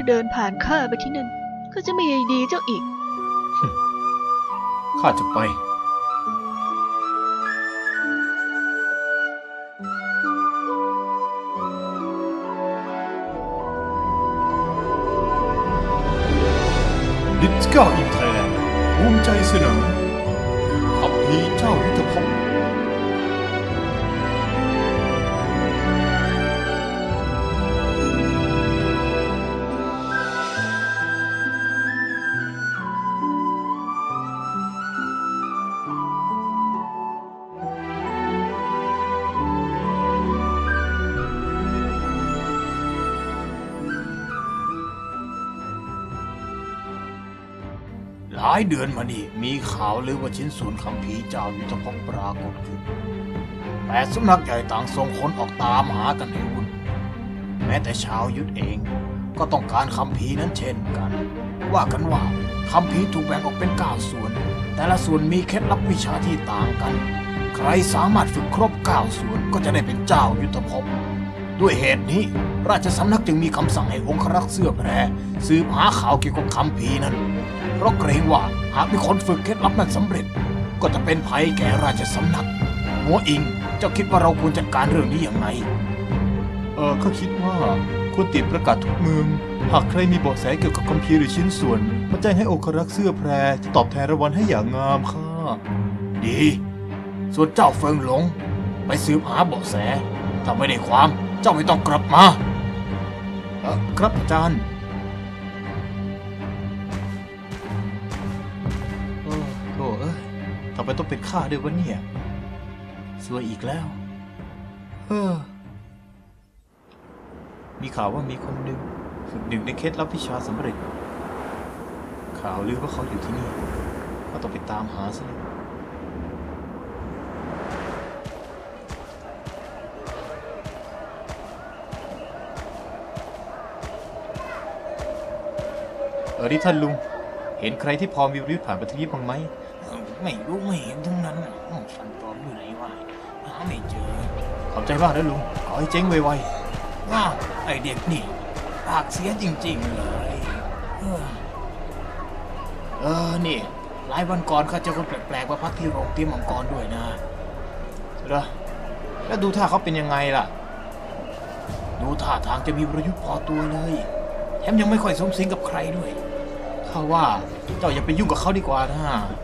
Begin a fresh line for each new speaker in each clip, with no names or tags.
เดินผ่านข้าไปที่นั่นก็จะไม่ใยดีเจ้าอีก
ข้าจะไปดิสก้าอินไทยแลนด์ภูมิใจเสนอคัมภีร์เจ้ายุทธภพหลายเดือนมานี่มีข่าวลือว่าชิ้นส่วนคัมภีร์เจ้ายุทธภพปรากฏขึ้นแต่สำนักใหญ่ต่างส่งคนออกตามหากันให้วุ่นแม้แต่ชาวยุทธเองก็ต้องการคัมภีร์นั้นเช่นกันว่ากันว่าคัมภีร์ถูกแบ่งออกเป็น9ส่วนแต่ละส่วนมีเคล็ดลับวิชาที่ต่างกันใครสามารถฝึกครบ9ส่วนก็จะได้เป็นเจ้ายุทธภพด้วยเหตุนี้ราชสำนักจึงมีคำสั่งให้องครักษ์เสื้อแพรสืบหาข่าวเกี่ยวกับคัมภีร์นั้นเพราะเกรงว่าหากมีคนฝึกเคล็ดลับนั้นสำเร็จก็จะเป็นภัยแก่ราชสำนักหัวอิงเจ้าคิดว่าเราควรจัดการเรื่องนี้อย่างไรข้าคิดว่าควรติดประกาศทุกเมืองหากใครมีเบาะแสเกี่ยวกับคัมภีร์หรือชิ้นส่วนมาแจ้งให้องครักษ์เสื้อแพรจะตอบแทนรางวัลให้อย่างงามค่ะดีส่วนเจ้าเฟิงหลงไปสืบหาเบาะแสถ้าไม่ได้ความเจ้าไม่ต้องกลับมาครับอาจารย์โถ่ทำไมต้องเป็นข้าด้วยวะเนี่ยซวยอีกแล้วมีข่าวว่ามีคนหนึ่งฝึกหนึ่งในเคล็ดลับวิชาสำเร็จข่าวลือว่าเขาอยู่ที่นี่ก็ต้องไปตามหาซะเลยนี่ท่านลุงเห็นใครที่พอมีวิวผ่านประทีปบ้างไหมไม่รู้ไม่เห็นทั้งนั้นฟันปลอมอยู่ไหนวะหาไม่เจอขอบใจมากนะลุงขอให้เจ๊งไวๆว้าไอเด็กนี่ปากเสียจริงๆเลยนี่หลายวันก่อนข้าเจอคนแปลกๆมาพักที่โรงเตรียมมังกรด้วยนะเหรอแล้วดูท่าเขาเป็นยังไงล่ะดูท่าทางจะมีประยุทธ์พอตัวเลยแถมยังไม่ค่อยสมสิงกับใครด้วยข้าว่าเจ้าอย่าไปยุ่งกับเขาดีกว่านะ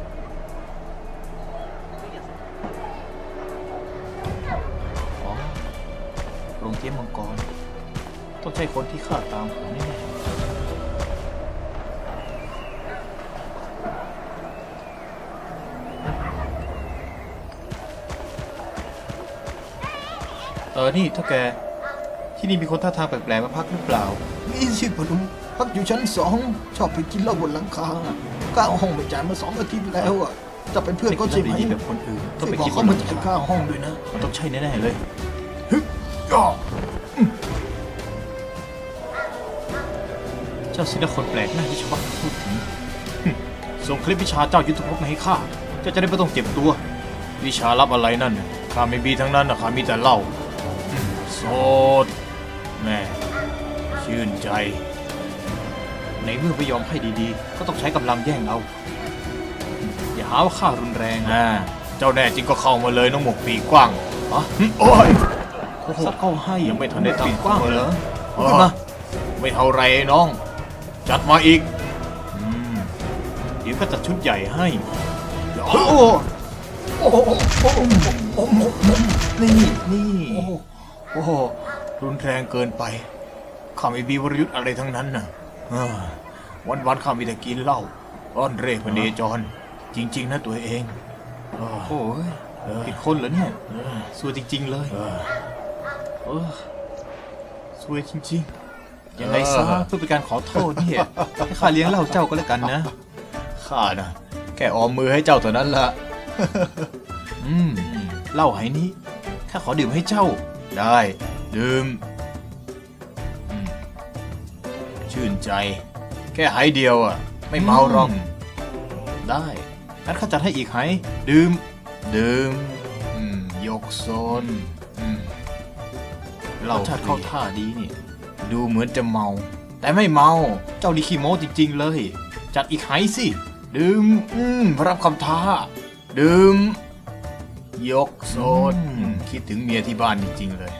โรงเตรียมมังกรต้องใช่คนที่ข้าตามหาแน่นี่ถ้าแกที่นี่มีคนท่าทางแปลกๆมาพักหรือเปล่ามีสิพนุพักอยู่ชั้น2ชอบไปกินเหล้าบนหลังคาค่าห้องไม่จ่ายมา2 อาทิตย์แล้วอ่ะจะเป็นเพื่อนก็ใช่ไหมแบบคนอื่นต้องไปกินเขามาจ่ายค่าห้องด้วยนะมันต้องใช่แน่ๆเลยเจ้าสินะคนแปลกหน้าที่ชาวบ้านพูดถึงส่งคลิปวิชาเจ้ายุทธภพมาให้ข้าเจ้าจะได้ไม่ต้องเจ็บตัววิชาลับอะไรนั่นข้าไม่มีทั้งนั้นนะข้ามีแต่เหล้าโสดแม่ชื่นใจในเมื่อไม่ยอมให้ดีๆก็ต้องใช้กำลังแย่งเอาอย่าหาว่าข้ารุนแรงเจ้าแน่จริงก็เข้ามาเลยน้องหมกปีกกว้างโอ้ยสักเข้าให้ยังไม่ทันได้ทำกว้างเหรอมาไม่เท่าไรน้องจัดมาอีกเดี๋ยวก็จัดชุดใหญ่ให้โอ้นี่โอ้โหรุนแรงเกินไปข้าไม่มีวรยุทธ์อะไรทั้งนั้นนะวันๆข้ามีแต่กินเหล้าอ้อนเร่พเนจรจริงๆนะตัวเองโอ้ยผิดคนเหรอเนี่ยซวยจริงๆเลยซวยจริงๆยังไงซะเพื่อเป็นการขอโทษเนี่ยให้ข้าเลี้ยงเหล้าเจ้าก็แล้วกันนะข้านะแค่ออมมือให้เจ้าเท่านั้นละเหล้าไหนี้ข้าขอดื่มให้เจ้าได้ดื่มชื่นใจแค่ไหเดียวอ่ะไม่เมาหรอกได้งั้นข้าจัดให้อีกไหดื่มยกโซนเหล้าเข้าท่าดีนี่ดูเหมือนจะเมาแต่ไม่เมาเจ้านี่ขี้โม้จริงๆเลย จัดอีกไหสิดื่มรับคำท้าดื่มยกโซดคิดถึงเมียที่บ้านจริงๆเลย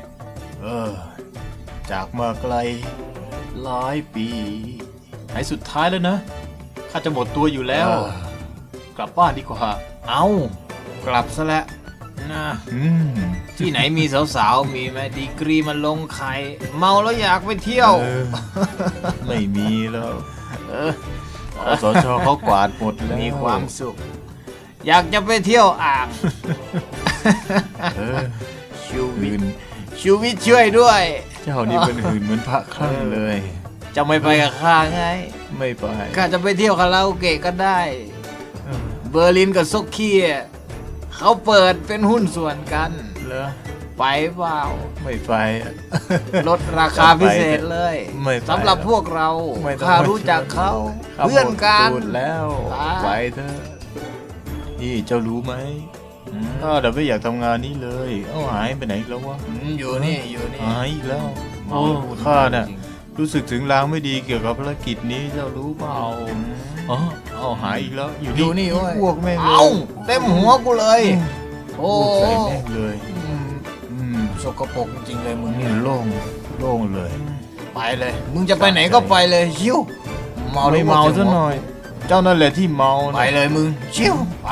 จากมาไกลหลายปีไหนสุดท้ายแล้วนะข้าจะหมดตัวอยู่แล้ว กลับบ้านดีกว่าเอากลับซะแล้วนะที่ไหนมีสาวๆมีไหมดีกรีมันลงไข่เมาแล้วอยากไปเที่ยว
ไม่มีแล้วสชเขากวาดหมดแล้ว
มีความสุข อยากจะไปเที่ยวอ่างชูวิทย์ช่วยด้วย
เจ้านี่เป็นหื่นเหมือนพระคลั่งเลย
จะไม่ไปกับข้าไง
ไม่ไป
ข้าจะไปเที่ยวคาราโอเกะก็ได้ เบอร์ลินกับซกเคียเขาเปิดเป็นหุ้นส่วนกัน
เหรอ
ไปเปล่า
ไม่ไป
ลดราคาพิเศษเลย
ไม่ไป
สำหรับพวกเรา
ไม่ต้อง
ข้ารู้จักเขา
ข้า
เพื่อนกัน
หมดตูดแล้ว
ตาย
ไปเถอะนี่เจ้ารู้ไหมข้าเดี๋ยวไม่อยากทำงานนี้เลยหายไปไหนอีกแล้ววะ
อยู่นี่
หายอีกแล้ว
โอ้
ข้าน่ะรู้สึกถึงลางไม่ดีเกี่ยวกับภารกิจนี้เจ้ารู้เปล่าหายอีกแล้ว
อยู่นี่เว้ย
พวกแม่ง
เอ้าเต็มหัวกูเลย โอ้
พวกใส่แม่งเลย
สกปรกจริงเลยมึง
นี่
เนี่ย
โล่งเลย
ไปเลย มึงจะไปไหนก็ไปเลยชิวเมา
ไม่เมาซะหน่อย เจ้านั่นแหละที่เมา
ไปเลยมึงชิวไป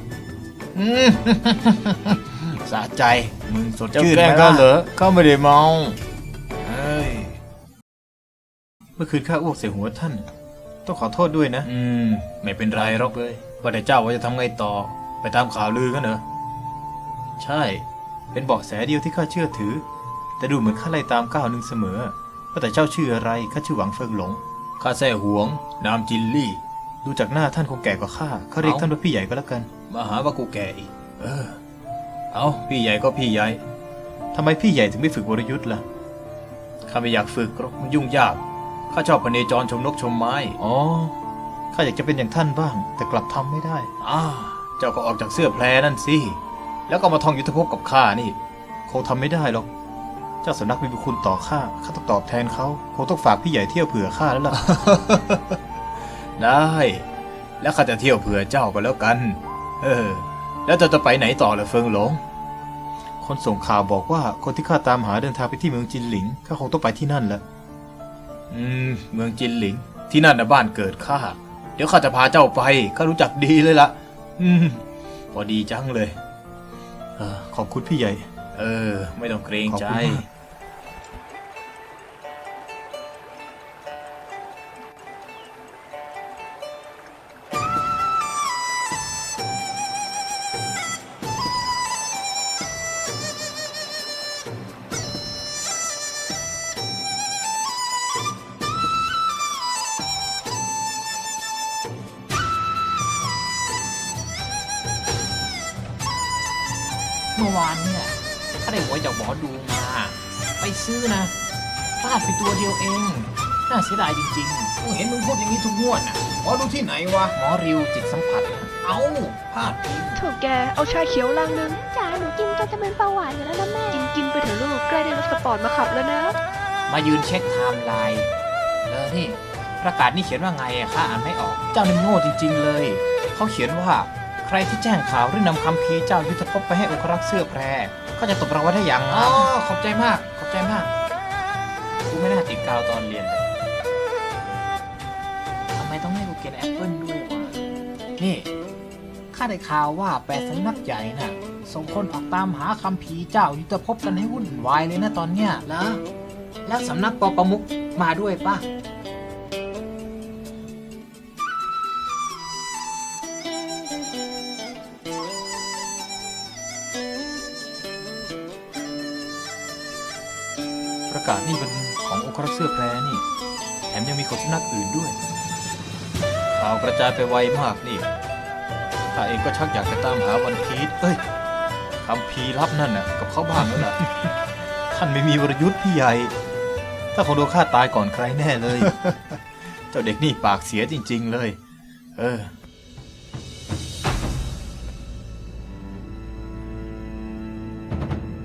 สะใจมึงสด
เจ้า
ชื่น
แกล้ง
ไหม
ข้า
ล่ะ
เหรอข้าไม่ได้เมา
เอ้ย
เมื่อคืนข้าอ้วกใส่หัวท่าน ต้องขอโทษด้วยนะ
ไม่เป็นไรหรอกเลยว่าแต่เจ้าว่าจะทำไงต่อ ไปตามข่าวลือกันเหรอ
ใช่ เป็นเบาะแสเดียวที่ข้าเชื่อถือ แต่ดูเหมือนข้าไล่ตามก้าวหนึ่งเสมอว่าแต่เจ้าชื่ออะไรข้าชื่อหวังเฟิงหลง
ข้าแซ่หวง นามจินลี่
ดูจากหน้าท่านคงแก่กว่าข้าข้าเรียกท่านว่าพี่ใหญ่ก็แล้วกัน
มาหาว่ากูแก่อีก เอาพี่ใหญ่ก็พี่ใหญ่
ทำไมพี่ใหญ่ถึงไม่ฝึกวรยุทธ์ล่ะ
ข้าไม่อยากฝึกหรอกมันยุ่งยาก ข้าชอบพเนจรชมนกชมไม้
อ๋อ ข้าอยากจะเป็นอย่างท่านบ้าง แต่กลับทำไม่ได้
เจ้าก็ออกจากเสื้อแพรนั่นสิ แล้วก็มาท่องยุทธภพกับข้านี่
คงทำไม่ได้หรอก เจ้าสำนักมีบุญคุณต่อข้าต้องตอบแทนเขาคงต้องฝากพี่ใหญ่เที่ยวเผื่อข้าแล้วล่ะ
ได้ แล้วข้าจะเที่ยวเผื่อเจ้าก็แล้วกัน แล้วเจ้าจะไปไหนต่อล่ะเฟิงหลง
คนส่งข่าวบอกว่าคนที่ข้าตามหาเดินทางไปที่เมืองจินหลิงข้าคงต้องไปที่นั่นแหละ
เมืองจินหลิง ที่นั่นนะบ้านเกิดข้า เดี๋ยวข้าจะพาเจ้าไป ข้ารู้จักดีเลยล่ะ พอดีจังเลย
ขอบคุณพี่ใหญ่
ไม่ต้องเกรงใจ
ขอบคุณมาก
เมื่อวานเนี่ยข้าได้หวยจากหมอดูมา ไปซื้อนะพลาดไปตัวเดียวเอง น่าเสียดายจริงๆกูเห็นมึงพูดอย่างนี้ทุกงวดน่ะหมอดูที่ไหนวะ หมอริวจิตสัมผัส เอ้าพลาดอีก
โถแกเอาชาเขียวลังนึง
จ๋าหนูกินจนจะเป็นเบาหวานอยู่แล้วนะแม่
กินไปเถอะลูกใกล้ได้รถสปอร์ตมาขับแล้วนะ
มายืนเช็คไทม์ไลน์นี่ประกาศนี่เขียนว่าไงอะข้าอ่านไม่ออก เจ้านี่โง่จริงๆเลย เขาเขียนว่าใครที่แจ้งข่าวหรือนำคำพีร์เจ้ายุทธภพไปให้องครักษ์เสื้อแพร ก็จะตบรางวัลได้อย่างงามขอบใจมาก ขอบใจมาก กูไม่น่าติดกาวตอนเรียนเลยทำไมต้องให้กูกินแอปเปิ้ลด้วยวะ นี่ ข้าได้ข่าวว่า8 สำนักใหญ่น่ะ ส่งคนออกตามหาคำพีร์เจ้ายุทธภพกันให้วุ่นวายเลยนะตอนเนี้ยแล้วสำนักปอประมุขมาด้วยป่ะ
ประกาศนี่เป็นขององครักษ์เสื้อแพรนี่ แถมยังมีของสำนักอื่นด้วย ข่าวกระจายไปไวมากนี่ข้าเองก็ชักอยากจะตามหาวันพีชคำพีร์ลับนั่นน่ะกับเขาบ้างแล้วล่ะ ท่านไม่มีวรยุทธ์พี่ใหญ่ ถ้าคงโดนฆ่าตายก่อนใครแน่เลย เจ้าเด็กนี่ปากเสียจริงๆเลย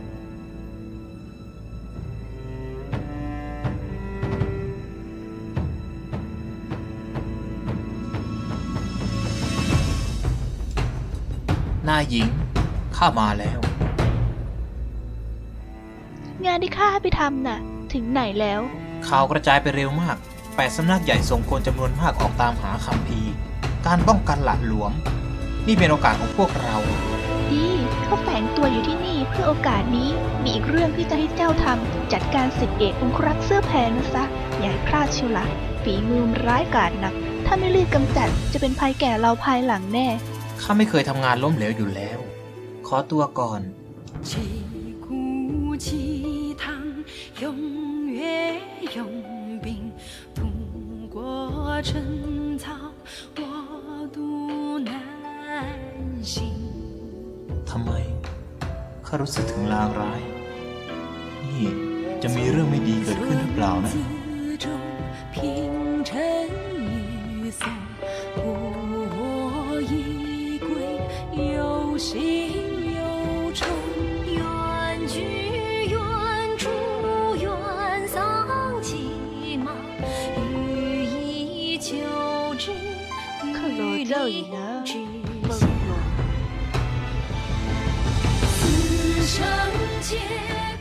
เ
นายหญิง ข้ามาแล้ว
งานที่ข้าให้ไปทำน่ะ ถึงไหนแล้ว
ข่าวกระจายไปเร็วมาก8สำนักใหญ่ส่งคนจำนวนมากออกตามหาคัมภีร์ การป้องกันหละหลวม นี่เป็นโอกาสของพวกเรา
ดีเขาแฝงตัวอยู่ที่นี่เพื่อโอกาสนี้ มีอีกเรื่องที่จะให้เจ้าทำจัดการสิทธิเอกองครักษ์เสื้อแพรนะซะ อย่าให้พลาดเชียวละฝีมือมันร้ายกาจนัก ถ้าไม่รีบกำจัดจะเป็นภัยแก่เราภายหลังแน่
ข้าไม่เคยทำงานล้มเหลวอยู่แล้ว ขอตัวก่อน
旗鼓齐唐，永远用兵，不过春草，我独难行。
ทำไม ข้ารู้สึกถึงลางร้าย นี่จะมีเรื่องไม่ดีเกิดขึ้นหรือเปล่านะ
自重平陈与宋，故我一归，有心有愁，缘聚缘除，缘丧其马，予以求之，
可罗这里呢
之
梦
下。
龙
此生皆